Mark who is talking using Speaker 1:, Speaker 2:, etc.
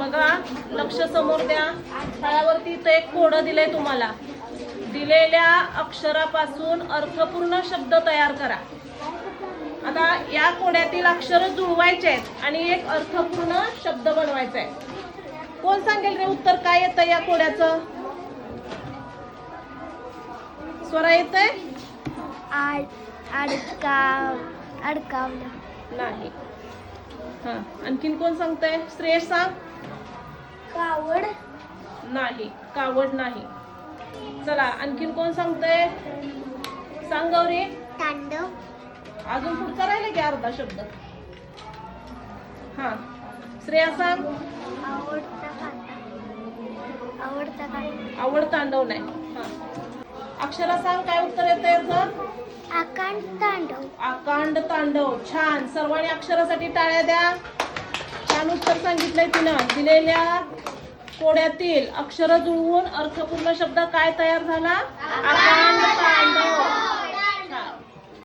Speaker 1: बघा, लक्ष समोर द्या. फळ्यावरती इथं एक कोडं दिलंय तुम्हाला. दिलेल्या अक्षरापासून अर्थपूर्ण शब्द तयार करा. आता या कोड्यातील अक्षर जुळवायचे आहेत आणि एक अर्थपूर्ण शब्द बनवायचा आहे. कोण सांगेल रे उत्तर काय येतं या कोड्याचं? स्वरा येतंय?
Speaker 2: अडकावलं
Speaker 1: नाही. हा, आणखीन कोण सांगतंय? श्रेयस सांग.
Speaker 2: कावड
Speaker 1: नाही, कावड नाही. चला, आणखीन कोण सांगतंय? सांग गौरी.
Speaker 2: तांडव
Speaker 1: अजून पुढचा राहिला की अर्धा शब्द. हा, श्रेया सांग. आवड तांडव नाही. हा, अक्षरा सांग काय उत्तर येतं याचं?
Speaker 2: आकांड तांडव
Speaker 1: आकांड तांडव. छान, सर्वांनी अक्षरासाठी टाळ्या द्या. छान उत्तर सांगितलंय तिनं. दिलेल्या कोड्यातील अक्षर जुळवून अर्थपूर्ण शब्द काय तयार झाला? आकांड